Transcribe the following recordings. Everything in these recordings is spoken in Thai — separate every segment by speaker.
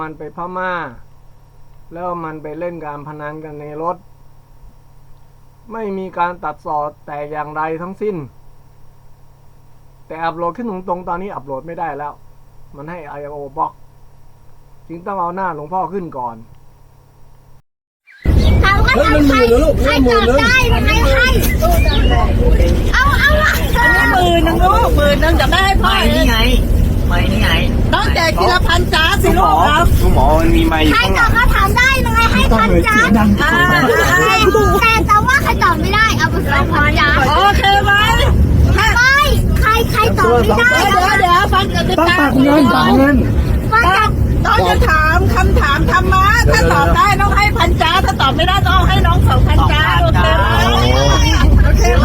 Speaker 1: มันไปพม่าแล้วมันไปเล่นการพนันกันในรถไม่มีการตัดต่อแต่อย่างใดทั้งสิ้นแต่อัปโหลดขึ้นตรงๆตอนนี้อัปโหลดไม่ได้แล้วมันให้ I/O บล็อกจึงต้องเอาหน้าหลวงพ่อขึ้นก่อน
Speaker 2: เฮ้ยมันหมื่นแล้วลูกใครตอบได้ใครให้เอา
Speaker 3: 10,000ลูก10,000จะไม่ให้พ่อ
Speaker 4: นี่ไงไม่นี่ไง
Speaker 3: ต้องแจกทีละพันจ้าสิลูกครับ
Speaker 5: ลุงหมอมันมีไม้อยู่
Speaker 2: ใคร
Speaker 5: ข้างห
Speaker 2: ต
Speaker 5: ลั
Speaker 2: อบ
Speaker 5: ง
Speaker 2: คำถามได้ยังไงให้พันจ้าแต่ว่าใครตอบไม่ได้เอาไปสองพันจ้า
Speaker 3: โอเคไหม
Speaker 2: ไม่ใครตอบไม่ได้
Speaker 3: เดี๋ยวฟังกติกา
Speaker 2: ฟังกัน
Speaker 3: ต้องจะถามคำถามธรรมะถ้าตอบได้ต้องให้พันจ้าถ้าตอบไม่ได้ต้องให้น้อง2,000จ้าโอเคไหมโอเคไหม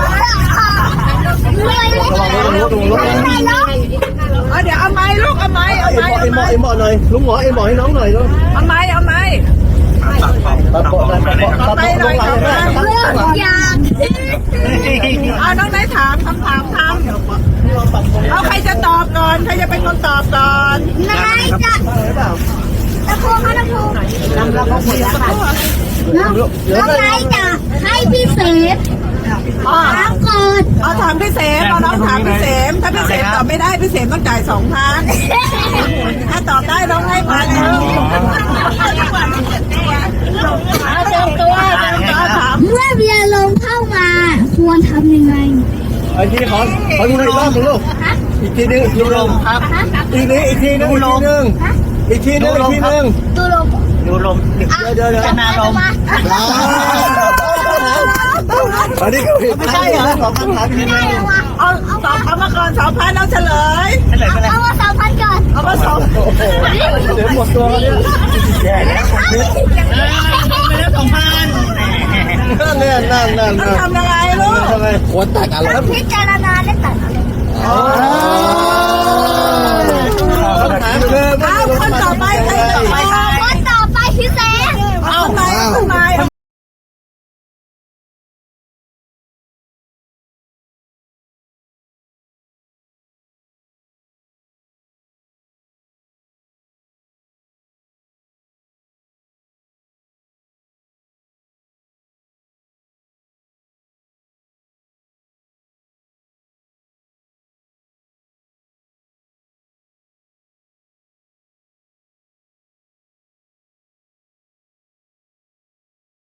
Speaker 3: เดี๋ยวเอาไม้ลูกเอาไม้
Speaker 2: หน่อยลุงหมอให้น้องหน่อยลูก
Speaker 3: เอาไม้ต่อไปหน่อย
Speaker 2: เรื่องยาก
Speaker 3: เอาน้องได้ถามคำถามเอาใครจะตอบก่อนใครจะเป็นคนตอบก่อน
Speaker 2: นายจะตะโพงตะโพงน้องนายจะให้พี่เสพถามก่อน
Speaker 3: เอาถามพี่เสมเอาน้องถามพี่เสมถ้าพี่เสมตอบไม่ได้พี่เสมต้องจ่าย2,000ถ้าตอบได้น้องให้1,000เตรียมตัวถาม
Speaker 2: เมื่อเบียร์ลงเข้ามาควรทำยังไง
Speaker 5: ไอ้ที่ขอดูอีกรอบนึงลูกอีกทีนึงดูลมครับอีกทีนึง
Speaker 2: ดูลม
Speaker 5: เดี๋ยว
Speaker 4: จะนาลม
Speaker 5: อันนี้ไม่ใช่เหรอสองคำถามที่ไม่
Speaker 3: เอาตอบคำมาก่อน2,000เอาเฉลย
Speaker 2: เอามา2,000ก่อน
Speaker 3: เอามา2,000
Speaker 5: เดี๋ยวหมดตัวเนี่ยแย่แล้วนั่น
Speaker 3: ต้องทำยังไงลูก
Speaker 5: ควรตัดอะไร
Speaker 2: พิจารณาและตัดอะไร